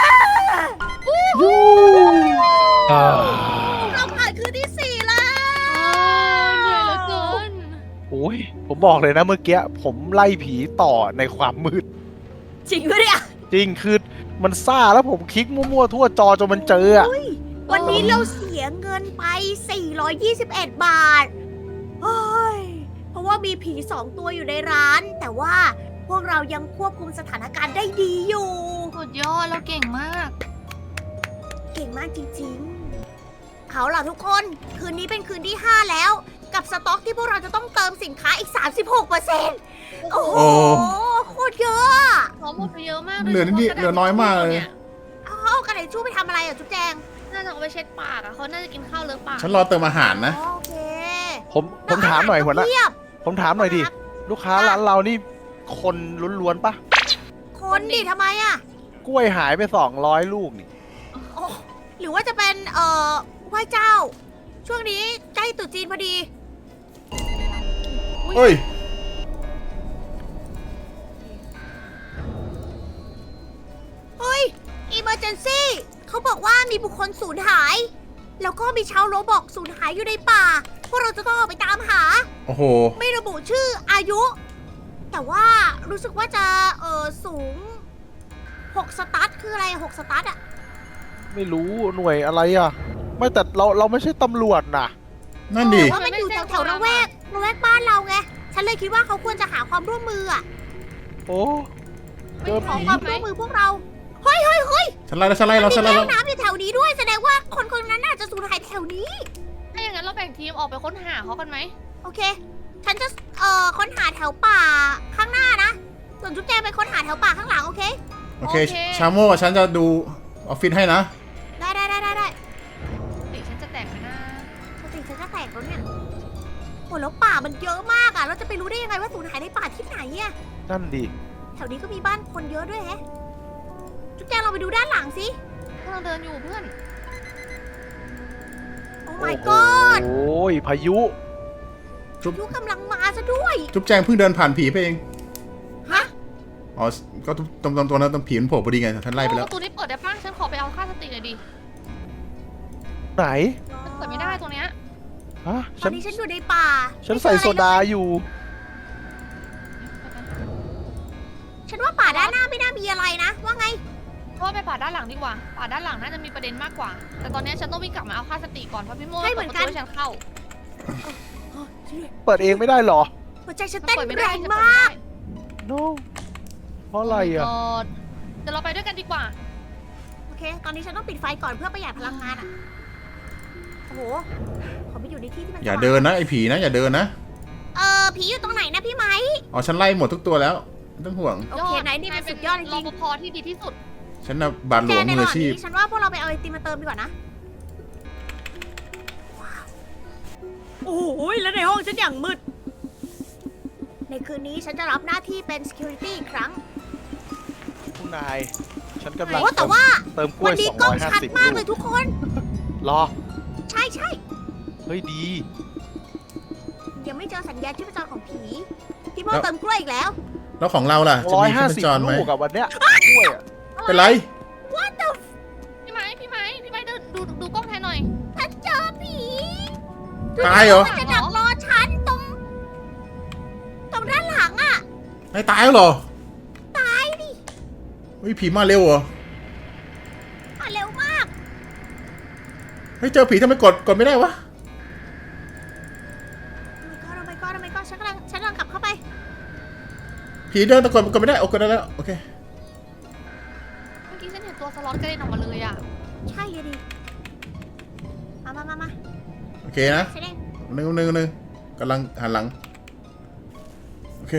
[SPEAKER 4] อ่า
[SPEAKER 3] เราผ่านคืนที่สี่แล้ว
[SPEAKER 1] เหนื่อยเหลือเกิน
[SPEAKER 4] โอ้ยผมบอกเลยนะเมื่อกี้ผมไล่ผีต่อในความมืด
[SPEAKER 3] จริงปะเนี่ย
[SPEAKER 4] จริงคือมันซ่าแล้วผมคลิกมั่วๆทั่วจอจนมันเจออะ
[SPEAKER 3] ยวันนี้เราเสียเงินไป 421 บาทเฮ้ยเพราะว่ามีผี2 ตัวอยู่ในร้าน แต่ว่าพวกเรายังควบคุมสถานการณ์ได้ดีอยู่
[SPEAKER 1] สุดยอดเราเก่งมาก
[SPEAKER 3] เก่งมากจริงๆ เอาล่ะทุกคน คืนนี้เป็นคืนที่ 5 แล้ว กับสต็อกที่พวกเราจะต้องเติมสินค้าอีก 36%โอ้โห
[SPEAKER 2] โอ้
[SPEAKER 3] โคตรเยอะอะ
[SPEAKER 1] เราหมดไปเยอะมาก
[SPEAKER 2] เหลือนิดเหลือน้อยมากเลย
[SPEAKER 3] เอากระดาษชู่ไปทำอะไรอ่ะจุ๊บแจง
[SPEAKER 1] น่าจะเอาไปเช็ดปากอะเขาน่าจะกินข้าวเลอะปาก
[SPEAKER 2] ฉันรอเติมอาหารนะ
[SPEAKER 3] โอเค
[SPEAKER 4] ผมถามหน่อยหัวหน้า
[SPEAKER 3] เทียบ
[SPEAKER 4] ผมถามหน่อยดิ ลูกค้าร้านเรานี่คนล้วนๆปะ
[SPEAKER 3] คนดิทำไมอ่ะ
[SPEAKER 4] กล้วยหายไป200 ลูกนี่
[SPEAKER 3] โอ้หรือว่าจะเป็นไหว้เจ้า ช่วงนี้ใกล้ตรุษจีนพอดี
[SPEAKER 2] เฮ้ย
[SPEAKER 3] เฮ้ย emergency เขาบอกว่ามีบุคคลสูญหาย แล้วก็มีชาวโรบอกสูญหายอยู่ในป่า พวกเราจะต้องออกไปตามหา
[SPEAKER 2] โอ้โห
[SPEAKER 3] ไม่ระบุชื่ออายุ แต่ว่ารู้สึกว่าจะสูง6 สตาร์ทคืออะไร6 สตาร์ทอะ
[SPEAKER 4] ไม่รู้หน่วยอะไรอ่ะ ไม่แต่เราไม่ใช่ตำรวจนะ
[SPEAKER 2] นั่นดิ
[SPEAKER 3] ว่ามันอยู่แถวๆระแวกบ้านเราไง ฉันเลยคิดว่าเขาควรจะหาความร่วมมืออะ
[SPEAKER 4] โอ้เจอ
[SPEAKER 3] ขอ
[SPEAKER 4] ผี
[SPEAKER 3] ความร่วมมือพวกเรา เฮ้ยเฮ้ยเฮ้ย
[SPEAKER 2] ฉันไล่แล้วฉันไล่แล้วฉัน
[SPEAKER 3] มี
[SPEAKER 2] ไล่
[SPEAKER 3] แก้
[SPEAKER 2] แล้ว ว
[SPEAKER 3] น้ำอยู่แถวนี้ด้วย แสดงว่าคนนั้นน่าจะสูญหายแถวนี้
[SPEAKER 1] ถ้าอย่างนั้นเราแบ่งทีมออกไปค้นหาเขากันไหม
[SPEAKER 3] โอเค ฉันจะค้นหาแถวป่าข้างหน้านะ ส่วนจุ๊บแจงไปค้นหาแถวป่าข้างหลังโอเค
[SPEAKER 2] โอเค ชาโม่ฉันจะดูออฟฟิศให้นะ
[SPEAKER 3] ได้
[SPEAKER 1] ติฉันจะแตกไหมนะ
[SPEAKER 3] สติฉันจะแตกแล้วเนี่ยโอ้แล้วป่ามันเยอะมากอะเราจะไปรู้ได้ยังไงว่าสูญหายในป่าที่ไหนอะ
[SPEAKER 4] นั่นดิ
[SPEAKER 3] แถวนี้ก็มีบ้านคนเยอะด้วยแฮะ จุ๊บแจงเราไปดูด้านหลังสิ
[SPEAKER 1] กำลังเดินอยู่เพื่อน
[SPEAKER 3] โอ้ my god
[SPEAKER 4] โอ้ยพายุ
[SPEAKER 3] ยุกำลังมาซะด้วย
[SPEAKER 2] จุ๊บแจงเพิ่งเดินผ่านผีไปเอง
[SPEAKER 3] ฮะ
[SPEAKER 2] อ๋อ ก็ตรงตัวนั้นตรงผีมันโผล่พอดีไงฉันไล่ไปแล้ว
[SPEAKER 1] ประตูนี้เปิดได้ป่ะฉันขอไปเอาค่าสติหน่อยดิ
[SPEAKER 4] ไหน
[SPEAKER 1] มันเปิดไม่ได้ตรงเนี้ย
[SPEAKER 4] ฮะ
[SPEAKER 3] ตอนนี้ฉันอยู่ในป่า
[SPEAKER 4] ฉันใส่โซดาอยู่
[SPEAKER 3] ฉันว่าป่าด้านหน้าไม่น่ามีอะไรนะ ว่าไง
[SPEAKER 1] เพราะว่าไปป่าด้านหลังดีกว่า ป่าด้านหลังน่าจะมีประเด็นมากกว่า แต่ตอนนี้ฉันต้องวิ่งกลับมาเอาค่าสติก่อนเพราะพี่โม่
[SPEAKER 3] ใช่เหมือนกัน
[SPEAKER 1] ปิดประตูให้ฉันเข้า
[SPEAKER 4] เปิดเองไม่ได้เหรอ
[SPEAKER 3] หัวใจฉันเต้น
[SPEAKER 1] ปิดไม่
[SPEAKER 3] แร
[SPEAKER 1] ได้
[SPEAKER 3] ง
[SPEAKER 1] ฉันเปิด
[SPEAKER 3] มาก
[SPEAKER 4] no เพราะอะไรอ่ะ
[SPEAKER 1] เดี๋ยวเราไปด้วยกันดีกว่า
[SPEAKER 3] โอเค ตอนนี้ฉันต้องปิดไฟก่อนเพื่อประหยัดพลังงานอ่ะ โอ้โห ขอไปอยู่ในที่ที่มัน
[SPEAKER 2] อย่า
[SPEAKER 3] สว่ง
[SPEAKER 2] เดินนะไอ้ผีนะ อย่าเดินนะ
[SPEAKER 3] ผีอยู่ตรงไหนนะพี่ไหม
[SPEAKER 2] อ๋อ ฉันไล่หมดทุกตัวแล้วไม่ต้องห่วง
[SPEAKER 3] โอเคไหนนี่เป็นสุดยอดจริง
[SPEAKER 1] รปภที่ดีที่สุด
[SPEAKER 2] ฉันน่ะบาทหล
[SPEAKER 3] แจ
[SPEAKER 2] วง
[SPEAKER 3] ใน
[SPEAKER 2] มื
[SPEAKER 3] ระ
[SPEAKER 2] อ
[SPEAKER 3] ห
[SPEAKER 2] อา
[SPEAKER 3] ว่าง
[SPEAKER 2] ชีพ
[SPEAKER 3] นี้ฉันว่าพวกเราไปเอาไอติมมาเติมดีกว่านะ ว้าว โอ้โหแล้วในห้องฉันอย่างมืด ในคืนนี้ฉันจะรับหน้าที่เป็น security อีกครั้ง
[SPEAKER 4] คุณนาย ฉันกำลัง
[SPEAKER 3] โอ้แต่ว่า
[SPEAKER 4] เติมกล้ว
[SPEAKER 3] วั
[SPEAKER 4] ย
[SPEAKER 3] นนี้กล้องชัด
[SPEAKER 4] 250
[SPEAKER 3] มาก
[SPEAKER 4] ลู
[SPEAKER 3] เลย
[SPEAKER 4] ก
[SPEAKER 3] ทุกคน
[SPEAKER 4] รอ
[SPEAKER 3] ใช่ใช่
[SPEAKER 4] เฮ้ยดี
[SPEAKER 3] ยังไม่เจอสัญญาณชีพจรของผี พี่โม
[SPEAKER 2] แล้ว
[SPEAKER 3] เติมกล้วยอีกแล้ว
[SPEAKER 2] แล้วของเราล่ะ จะมีชีพจรไหม
[SPEAKER 4] ลูกกับวันเนี้ยกล้วยอะ
[SPEAKER 2] เป็นไร
[SPEAKER 3] What the
[SPEAKER 1] พี่ไหมดูกล้องแทนหน่อย
[SPEAKER 3] ฉันเจอผี
[SPEAKER 2] ตายเหรอ
[SPEAKER 3] มันจะดักรอฉันตรงด้านหลังอ่ะ
[SPEAKER 2] ไม่ตายแล้วเหรอ
[SPEAKER 3] ตายดิ
[SPEAKER 2] เฮ้ยผีมาเร็วเหรอ
[SPEAKER 3] มาเร็วมาก
[SPEAKER 2] เฮ้ยเจอผีทำไมกดไม่ได้วะ
[SPEAKER 3] โอ้ my god ฉันกำลังกลับเข้าไป
[SPEAKER 2] ผีเดินตะกดไม่ได้โอเคได้แล้ว โอเค
[SPEAKER 1] เมื่อกี้ฉันเห็นตัวสล็อตกระเด็นออกมาเลยอ่ะ
[SPEAKER 3] ใช่เลยดิ มา
[SPEAKER 2] โอเคนะ
[SPEAKER 3] ฉันเอง
[SPEAKER 2] หนึ่งกำลังหันหลัง โอเค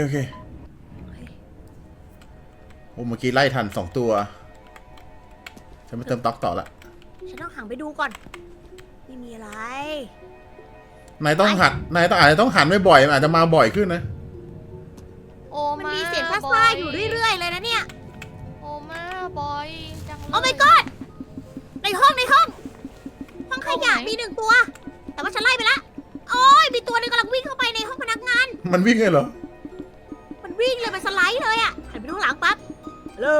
[SPEAKER 2] โอ้เมื่อกี้ไล่ทัน2 ตัว ฉันไปเติมต๊อกต่อละ
[SPEAKER 3] ฉันต้องหันไปดูก่อน ไม่มีอะไร
[SPEAKER 2] นายต้องหันอาจจะต้องหันบ่อยๆมันอาจจะมาบ่อยขึ้นนะ
[SPEAKER 1] โอ้
[SPEAKER 3] มัน
[SPEAKER 1] มา
[SPEAKER 3] มีเสียง
[SPEAKER 1] บ
[SPEAKER 3] ซ่า
[SPEAKER 1] อย
[SPEAKER 3] ๆอยู่เรื่อยๆเลยนะเนี่ย
[SPEAKER 1] โอ้มาบอยจัง
[SPEAKER 3] โอ้ my god ในห้องห้องขยะมีหนึ่งตัว แต่ว่าฉันไล่ไปแล้วโอ้ยมีตัวหนึงกำลังวิ่งเข้าไปในห้องพนักงาน
[SPEAKER 2] มันวิ่งเลยเหรอ
[SPEAKER 3] มันวิ่งเลยมันสไลด์เลยอ่ะหันไปดูข้างหลังปั๊บฮัลโหล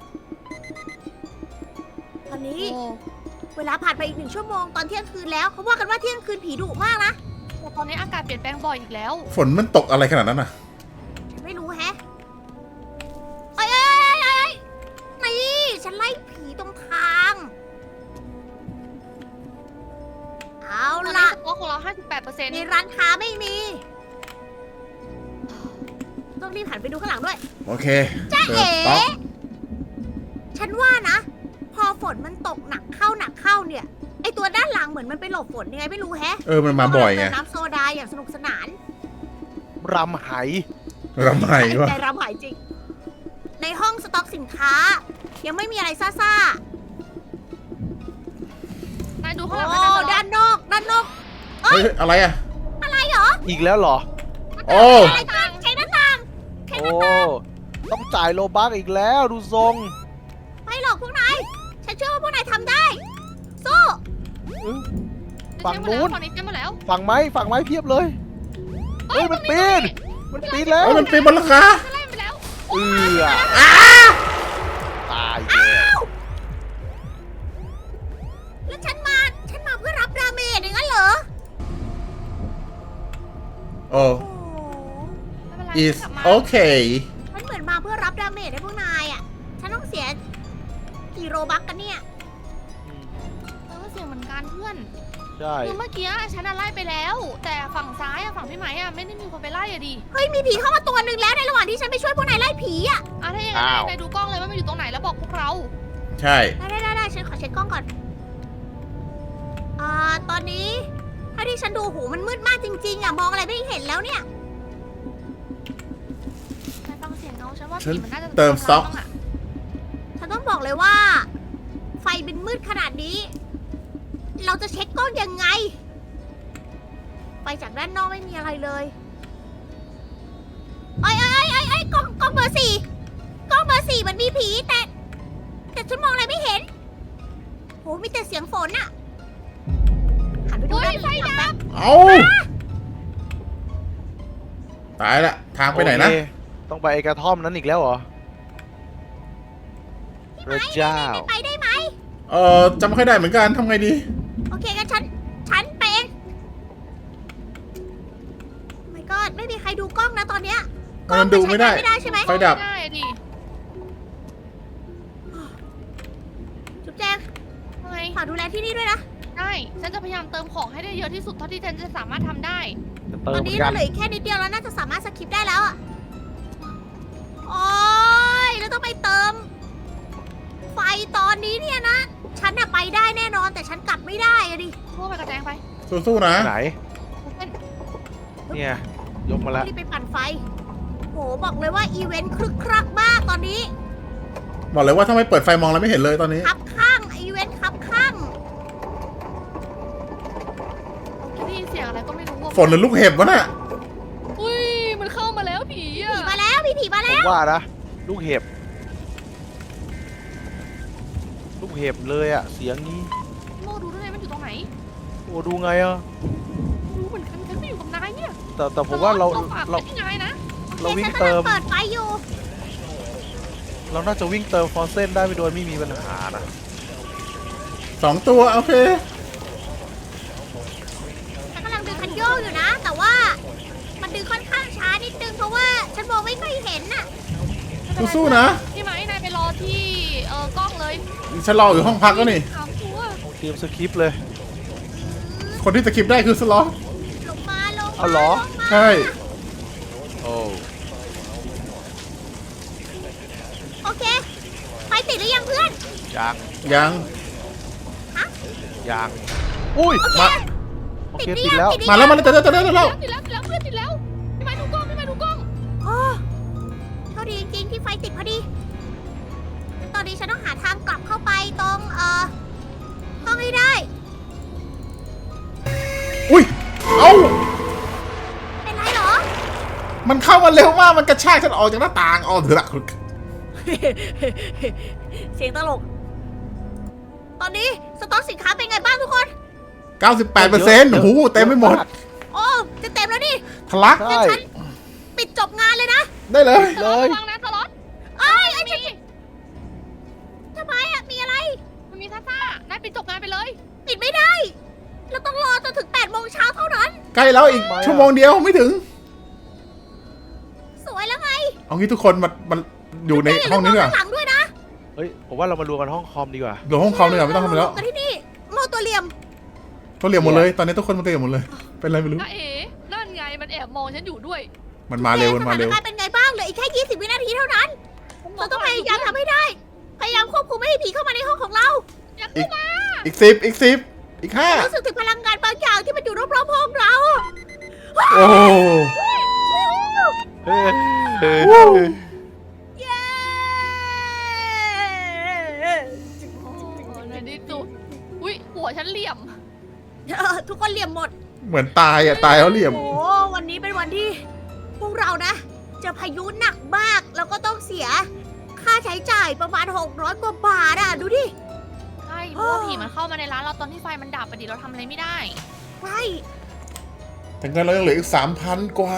[SPEAKER 3] ตอนนี้
[SPEAKER 1] โอ้
[SPEAKER 3] เวลาผ่านไปอีก1 ชั่วโมงตอนเที่ยงคืนแล้วเขาว่ากันว่าเที่ยงคืนผีดุมากนะ
[SPEAKER 1] แต่ตอนนี้อากาศเปลี่ยนแปลงบ่อยอีกแล้ว
[SPEAKER 2] ฝนมันตกอะไรขนาดนั้นน่ะ
[SPEAKER 3] ไม่รู้แฮะเอ้ยนี่ฉันไล่ผีตรงทาง เอา
[SPEAKER 1] ตอนนี้
[SPEAKER 3] ล่ะ
[SPEAKER 1] สต็อกของเรา 58%
[SPEAKER 3] ในร้านค้าไม่มี ต้องรีบหันไปดูข้างหลังด้วย
[SPEAKER 2] โอเค
[SPEAKER 3] จ้า
[SPEAKER 2] เดิ
[SPEAKER 3] เอ๋
[SPEAKER 2] นต๊อก
[SPEAKER 3] ฉันว่านะ พอฝนมันตกหนักเข้าเนี่ย ไอตัวด้านหลังเหมือนมันไปหลบฝนยังไงไม่รู้แฮะ
[SPEAKER 2] มันมาบ่อยไง
[SPEAKER 3] เติมน้ำโซดาอย่างสนุกสนาน
[SPEAKER 4] รำไห
[SPEAKER 2] รำไห้วะ
[SPEAKER 3] ใจรำหายจริง ในห้องสต็อกสินค้า ยังไม่มีอะไรซ่า
[SPEAKER 1] นายดู
[SPEAKER 3] ๆ
[SPEAKER 1] ข้างหลัง
[SPEAKER 3] โอ้
[SPEAKER 1] นาย
[SPEAKER 3] ด้านนอก
[SPEAKER 2] เฮ้ย อะไรอ่ะ
[SPEAKER 3] อะไรเหรอ
[SPEAKER 4] อีกแล้วเหรอ
[SPEAKER 2] โอ้
[SPEAKER 3] อะไรกันใช้หน้าต่าง
[SPEAKER 4] โอ้ ต้องจ่ายโลบักอีกแล้วดูทรง
[SPEAKER 3] ไม่หรอกพวกนาย ฉันเชื่อว่าพวกนายทำได้ สู้
[SPEAKER 4] ฝั่งนู้น
[SPEAKER 1] ฝั่งนี้เต็มหมดแล้ว
[SPEAKER 4] ฝั่งไม้เพียบเลย เฮ้ยมันปีน มันปีนแล้ว
[SPEAKER 2] เฮ้ยมันปีนบนหลังคา
[SPEAKER 1] ไล่ไปแล้ว
[SPEAKER 4] เอือตายเลย
[SPEAKER 3] แล้วฉันมาเพื่อรับดาเมจอย่างนั้นเหรอ
[SPEAKER 2] โอ้
[SPEAKER 3] โอ้
[SPEAKER 1] ไม่เป็นไร
[SPEAKER 2] is
[SPEAKER 1] กลับมา
[SPEAKER 2] okay
[SPEAKER 3] ฉันเหมือนมาเพื่อรับดาเมจให้พวกนายอ่ะ ฉันต้องเสียกี่โรบัคกันเนี่ย
[SPEAKER 1] เสียงเหมือนกันเพื่อน
[SPEAKER 4] ใช่
[SPEAKER 1] คือเมื่อกี้ฉันไล่ไปแล้ว แต่ฝั่งซ้ายฝั่งพี่ไหมไม่ได้มีคนไปไล่อะดิ
[SPEAKER 3] เฮ้ยมีผีเข้ามาตัวหนึ่งแล้วในระหว่างที่ฉันไปช่วยพวกนายไล่ผีอ่ะ
[SPEAKER 1] ถ้าอย่างนั้นนายดูกล้องเลยว่ามันอยู่ตรงไหนแล้วบอกพวกเรา
[SPEAKER 2] ใช่
[SPEAKER 3] ได้ฉันขอเช็คกล้องก่อน ตอนนี้ถ้าที่ฉันดูหูมันมืดมากจริงๆอ่ะมองอะไรไม่เห็นแล้วเนี่ย
[SPEAKER 1] นายฟังเสียงเงาฉันว่า
[SPEAKER 2] ฉัน
[SPEAKER 1] ผีมันน่าจะ
[SPEAKER 2] เติมสต็อก
[SPEAKER 1] บ้างะ
[SPEAKER 3] ฉันต้องบอกเลยว่า ไฟเป็นมืดขนาดนี้ เราจะเช็คกล้องยังไง ไปจากด้านนอกไม่มีอะไรเลยไอ้กล้องเบอร์ 4กล้องเบอร์ 4มันมีผีแต่ฉันมองอะไรไม่เห็นโหมีแต่เสียงฝนอะหันไปดูด้านนี้หลังแป๊บ
[SPEAKER 2] เอาตายละ ทางไปไหนนะ
[SPEAKER 4] โอเคต้องไปไอ้กระท่อมนั้นอีกแล้วเหรอพระเจ้า
[SPEAKER 3] ไปได้ไหม
[SPEAKER 2] จำไม่ค่อยได้เหมือนกันทำไงดี
[SPEAKER 3] โอเคงั้นฉันเป็น ไม่ก็ไม่มีใครดูกล้องนะตอนเนี้ยกล้อง
[SPEAKER 2] มันดูไม่ได้
[SPEAKER 3] ใช้งานไม่ได้ใช่ไหม
[SPEAKER 2] ไฟดับ
[SPEAKER 1] ไม่ได้อะดิ
[SPEAKER 3] จุ๊บแจง
[SPEAKER 1] ทำไม
[SPEAKER 3] ฝากดูแลที่นี่ด้วยนะ
[SPEAKER 1] ได้ฉันจะพยายามเติมของให้ได้เยอะที่สุดเท่าที่ฉันจะสามารถทำได้
[SPEAKER 4] จะ
[SPEAKER 3] ต
[SPEAKER 4] เติ
[SPEAKER 3] อ
[SPEAKER 4] ม
[SPEAKER 3] น
[SPEAKER 4] เหมือ
[SPEAKER 3] นี้
[SPEAKER 4] นกั
[SPEAKER 3] เรา
[SPEAKER 4] น
[SPEAKER 3] เหลืออีกแค่นิดเดียวแล้วน่าจะสามารถสคิปได้แล้วอะโอ้ยแล้วต้องไปเติม ไฟตอนนี้เนี่ยนะ ฉันน่ะไปได้แน่นอนแต่ฉันกลับไม่ได้อะดิ
[SPEAKER 1] พวกไปกระแจงไป
[SPEAKER 2] สู้ๆนะ
[SPEAKER 4] ไหน
[SPEAKER 1] เป็น
[SPEAKER 4] เนี่ย ยกมาแล้ว
[SPEAKER 3] รีบไปปั่นไฟ โหบอกเลยว่าอีเวนต์ครึกครักมากตอนนี้
[SPEAKER 2] บอกเลยว่าถ้าไม่เปิดไฟมองแล้วไม่เห็นเลยตอนนี้
[SPEAKER 3] คับข้างอีเวนต์คับข้าง
[SPEAKER 1] ได้ยินเสียงอะไรก็ไม่รู้
[SPEAKER 2] ฝนหรือลูกเห็บวะน่ะ
[SPEAKER 1] อุ้ยมันเข้ามาแล้วผีอะ
[SPEAKER 3] ผีมาแล้วผีมา
[SPEAKER 4] ผ
[SPEAKER 3] แล้
[SPEAKER 4] ม
[SPEAKER 3] ว
[SPEAKER 4] ว่านะ ลูกเห็บ ลูกเห็บเลยอะเสียงนี้
[SPEAKER 1] โมดูด้วยมันอยู่ตรงไหน
[SPEAKER 4] โอ้ดูไงอะ
[SPEAKER 1] ไม่รู้เหมือนกันฉันไม่อยู่กับนายเนี่ย
[SPEAKER 4] แต่ผมว่าเรา
[SPEAKER 1] ฝาก
[SPEAKER 4] เรา
[SPEAKER 1] ไว้ที่นายนะ
[SPEAKER 4] เราวิ่ง
[SPEAKER 3] ฉัน
[SPEAKER 4] เติ
[SPEAKER 3] กำลั
[SPEAKER 4] ม
[SPEAKER 3] เปิดไฟอยู่
[SPEAKER 4] เราน่าจะวิ่งเติมฟอสเซนได้ไม่โดยไม่มีปัญหานะ
[SPEAKER 2] 2 ตัว โอเค
[SPEAKER 3] ฉันกำลังดึงคันโยกอยู่นะ แต่ว่ามันดึงค่อนข้างช้านิดนึงเพราะว่าฉันมองไม่ค่อยเห็นน่ะ
[SPEAKER 2] สู้ๆนะ
[SPEAKER 1] พี่ไหมนายไปรอที่กล้องเลย
[SPEAKER 2] ฉันรออยู่ห้องพักแล้วนี่
[SPEAKER 1] ถามตัว
[SPEAKER 4] เตรียมสคริปต์เลย
[SPEAKER 2] คนที่สกิปได้คือสล็อต
[SPEAKER 3] ลงมาลง
[SPEAKER 4] เอาเหรอ
[SPEAKER 3] ลงมา
[SPEAKER 2] ใช่
[SPEAKER 4] โอ้
[SPEAKER 3] โอเค ไฟติดหรือยังเพื่อน
[SPEAKER 4] ยัง
[SPEAKER 2] ยัง
[SPEAKER 4] ยังอุ้ย
[SPEAKER 3] โอเค
[SPEAKER 2] มา
[SPEAKER 4] โอ
[SPEAKER 3] ติด
[SPEAKER 4] เค
[SPEAKER 3] หรือ
[SPEAKER 4] ติด
[SPEAKER 3] ยัง
[SPEAKER 4] แล้ว
[SPEAKER 3] ติดหรือ
[SPEAKER 2] มา
[SPEAKER 3] ยัง
[SPEAKER 2] แล้วมาแล้วเดี๋ยว
[SPEAKER 1] ติดแล้วเพื่อนติดแล้วพี่ไหมดูกล้อง
[SPEAKER 3] โอ้โชคดีจริงๆที่ไฟติดพอดี ตอนนี้ฉันต้องหาทางกลับเข้าไปตรงห้องให้ได้
[SPEAKER 2] อุ้ย เอ้า
[SPEAKER 3] เป็นไรเหรอ
[SPEAKER 2] มันเข้ามาเร็วมาก มันกระชากฉันออกจากหน้าต่างอ๋อเถอะละ
[SPEAKER 3] เสียงตลกตอนนี้สต็อกสินค้าเป็นไงบ้างทุกคน
[SPEAKER 2] 98%โอ้โหเต็มไปหมด
[SPEAKER 3] โอ้จะเต็มแล้วนี่
[SPEAKER 2] ทะลัก
[SPEAKER 4] ใช่
[SPEAKER 3] ปิดจบงานเลยนะ
[SPEAKER 2] ได้เลย
[SPEAKER 4] เลย
[SPEAKER 1] ระวังนะสล็อต
[SPEAKER 3] เอ้ย
[SPEAKER 1] มี
[SPEAKER 3] ทำไมอะมีอะไร
[SPEAKER 1] มันมีซ่าๆได้ปิดจบงานไปเลย
[SPEAKER 3] ปิดไม่ได้ เราต้องรอจนถึง8 โมงเช้าเท่านั้น
[SPEAKER 2] ใกล้แล้วอีกชั่วโมงเดียวไม่ถึง
[SPEAKER 3] สวยแล้วไง
[SPEAKER 2] เอางี้ทุกคนมันอยู่ในห้องนี้ดีกว่า
[SPEAKER 3] ข้างหลังด้วยนะ
[SPEAKER 4] เฮ้ยผมว่าเรามารวมกันห้องคอมดีกว่า
[SPEAKER 2] เดี๋ยวห้องคอมดีกว่าไม่ต้องทำอะไรแล้ว
[SPEAKER 3] กันที่นี่โมตัวเหลี่ยม
[SPEAKER 2] ตัวเหลี่ยมหมดเลย ตอนนี้ทุกคนมันตัวเหลี่ยมหมดเลย เป็นไรไม่รู้
[SPEAKER 1] น้าเอ๋นั่นไงมันแอบมองฉันอยู่ด้วย
[SPEAKER 2] มันมาเร็วมันมาเร็ว
[SPEAKER 3] สถนการณ์เป็นไงบ้างเหลืออีกแค่20 วินาทีเท่านั้น เราต้องพยายามทำให้ได้ พยายามควบคุมไม่ให้ผีเข้ามาในห้องของเรา
[SPEAKER 1] อย่าเข้ามา
[SPEAKER 2] อีก 10 อีก 10 อีก 5
[SPEAKER 3] รู้สึกถึงพลังงานบางอย่างที่มันอยู่รอบๆห้องเรา
[SPEAKER 2] โอ้
[SPEAKER 4] เฮ้ย
[SPEAKER 3] เย้
[SPEAKER 1] ในที่สุดอุ้ยหัวฉันเหลี่ยม
[SPEAKER 3] ทุกคนเหลี่ยมหมด
[SPEAKER 2] เหมือนตายอ่ะ ตายแล้วเหลี่ยม
[SPEAKER 3] โอ้วันนี้เป็นวันที่ พวกเรานะเจอพายุหนักมาก แล้วก็ต้องเสียค่าใช้จ่ายประมาณ600 กว่าบาทอ่ะ ดูดิ
[SPEAKER 1] ใช่เพราะว่าผีมันเข้ามาในร้านเราตอนที่ไฟมันดับไปดิเราทำอะไรไม่ได้
[SPEAKER 3] ใช่
[SPEAKER 2] แต่เงินเรายังเหลืออีก 3,000 กว่า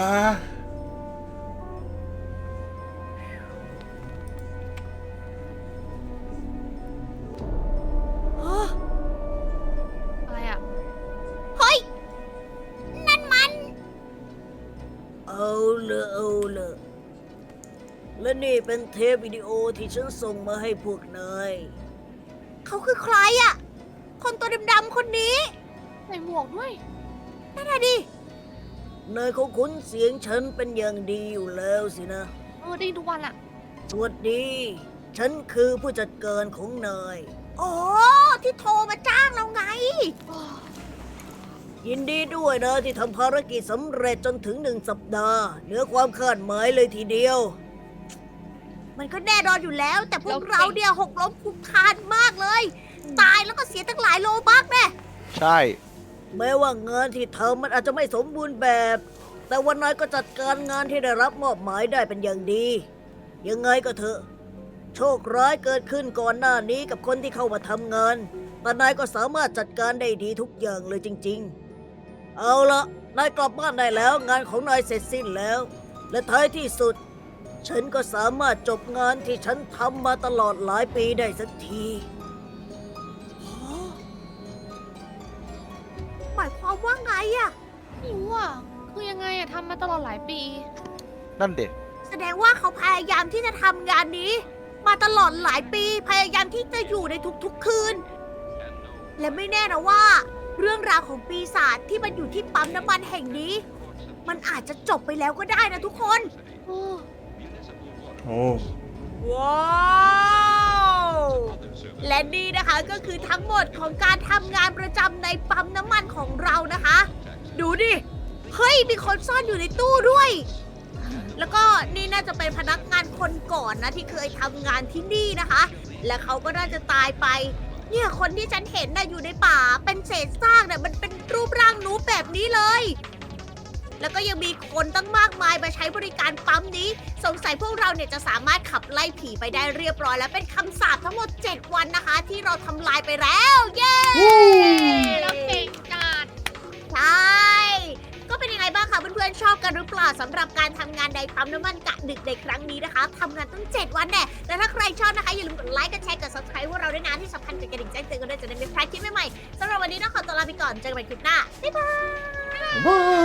[SPEAKER 1] อะไรอ่ะ
[SPEAKER 3] เฮ้ย นั่นมัน เอาเลยและนี่เป็นเทปวิดีโอที่ฉันส่งมาให้พวกนาย เขาคือใครอ่ะ คนตัวดำๆคนนี้
[SPEAKER 1] ใส่หมวกด้วย
[SPEAKER 3] นั่นน่ะดินายคงคุ้นเสียงฉันเป็นอย่างดีอยู่แล้วสินะ
[SPEAKER 1] ได้ยินทุกวันอ่ะ
[SPEAKER 3] สวัสดี ฉันคือผู้จัดการของนาย อ๋อ ที่โทรมาจ้างเราไง ยินดีด้วยนะที่ทำภารกิจสำเร็จจนถึง1 สัปดาห์เหนือความคาดหมายเลยทีเดียว มันก็แน่นอนอยู่แล้ว แต่พวกเราเนี่ยหกล้มคลุกคลานมากเลย ตายแล้วก็เสียตั้งหลายโลบักแน่
[SPEAKER 4] ใช่
[SPEAKER 3] แม้ว่างานที่ทำมันอาจจะไม่สมบูรณ์แบบ แต่วันน้อยก็จัดการงานที่ได้รับมอบหมายได้เป็นอย่างดี ยังไงก็เถอะ โชคร้ายเกิดขึ้นก่อนหน้านี้กับคนที่เข้ามาทำงาน แต่นายก็สามารถจัดการได้ดีทุกอย่างเลยจริงๆ เอาละนายกลับบ้านได้แล้ว งานของนายเสร็จสิ้นแล้ว และท้ายที่สุด ฉันก็สามารถจบงานที่ฉันทำมาตลอดหลายปีได้สักทีหมายความว่าไงอะ
[SPEAKER 1] ไม่รู้อ่ะ คือยังไงอะทำมาตลอดหลายปี
[SPEAKER 4] นั่นเด็ก
[SPEAKER 3] แสดงว่าเขาพยายามที่จะทำงานนี้ มาตลอดหลายปี พยายามที่จะอยู่ในทุกๆคืน และไม่แน่นะว่า เรื่องราวของปีศาจที่มันอยู่ที่ปั๊มน้ำมันแห่งนี้ มันอาจจะจบไปแล้วก็ได้นะทุกคน
[SPEAKER 1] โอ้
[SPEAKER 2] โอ้
[SPEAKER 3] ว้าว และนี่นะคะก็คือทั้งหมดของการทำงานประจำในปั๊มน้ำมันของเรานะคะ ดูดิ เฮ้ย มีคนซ่อนอยู่ในตู้ด้วย แล้วก็นี่น่าจะเป็นพนักงานคนก่อนนะที่เคยทำงานที่นี่นะคะ และเขาก็น่าจะตายไป เนี่ยคนที่ฉันเห็นน่ะอยู่ในป่า เป็นเศษซากเนี่ยมันเป็นรูปร่างนูแบบนี้เลย แล้วก็ยังมีคนตั้งมากมายมาใช้บริการปั๊มนี้ สงสัยพวกเราเนี่ยจะสามารถขับไล่ผีไปได้เรียบร้อยแล้วเป็นคำสาปทั้งหมด 7 วันนะคะ ที่เราทำลายไปแล้ว เย้
[SPEAKER 1] เราเก่งจัด
[SPEAKER 3] ใช่ ก็เป็นยังไงบ้างคะเพื่อนๆชอบกันหรือเปล่าสำหรับการทำงานในปั๊มน้ำมันกะดึกในครั้งนี้นะคะทำงานตั้ง 7 วันแน่และถ้าใครชอบนะคะอย่าลืมกดไลค์กดแชร์กด subscribe พวกเราด้วยนะที่สำคัญกดกระดิ่งแจ้งเตือนกันด้วยจะได้ไม่พลาดคลิปใหม่ๆสำหรับวันนี้ต้องขอตัวลาไปก่อนเจอกันใหม่คลิปหน้าบ๊ายบาย
[SPEAKER 2] บาย